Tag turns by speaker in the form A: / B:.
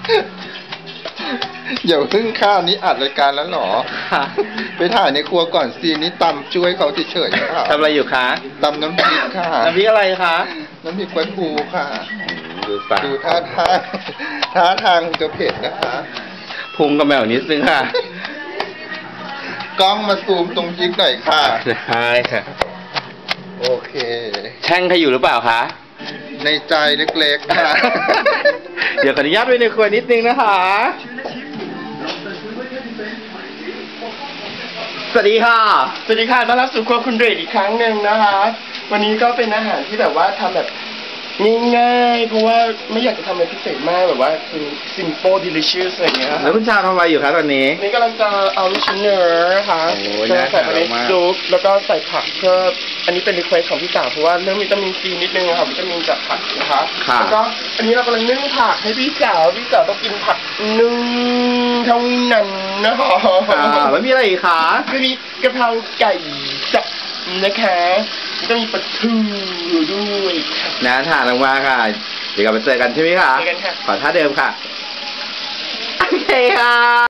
A: อย่าเพิ่งข้าวนี้อัดรายการแล้วหรอไปถ่ายในครัวก่อนซีนี้ตำช่วยเขาเฉยๆค่ะ
B: ทำอะไรอยู่คะ
A: ตำน้ำพริกค่ะ
B: น้ำพริกอะไรคะ
A: น้ำพริกปลาทูค่ะดูท่าทางจะเผ็ดนะคะ
B: พุงกับแมวนิดนึงค่ะ
A: กล้องมาซูมตรงพริกหน่อยค่ะ
B: ใช่ค่ะ
A: โอเค
B: แช่งใครอยู่หรือเปล่าคะ
A: ในใจเล็กๆค่ะ
B: เดี๋ยวขออนุญาตไปในครัวนิดนึงนะคะสวัสดีค่ะ
C: สวัสดีค่ะต้อนรับสู่ครัวคุณเดชอีกครั้งหนึ่งนะคะวันนี้ก็เป็นอาหารที่แบบว่าทำแบบง่ายๆเพราะว่าไม่อยากจะทำอะไรพิเศษมากแบบว่าคือ simple delicious อะไรอย่างเงี้ย
B: แล้วคุณชาวทำอะไรอยู่คะตอนนี้
C: นี่กำลังจะเอาลูกชิ้นเนื้อนะคะจะใส่ไปในซุปแล้วก็ใส่ผักเพื่ออันนี้เป็นรีเควสของพี่สาวเพราะว่าเรื่องวิตามินซีนิดนึงค่ะวิตามินจากผักนะคะแล้วก็อันนี้เรากำลังนึ่งผักให้พี่สาวต้องกินผักนึ่งเท่านั้นนะคะ
B: แล้วมีอะไรอีกคะ
C: ก็มีกะเพราไก่สับนะคะก็มีปลาทูด้วย
B: น่าทานมากค่ะเดี๋ยวกลับมาเจอกันใช่ไหมคะ
C: เจอกันค่ะ
B: ขอท่าเดิมค่ะโอเคค่ะ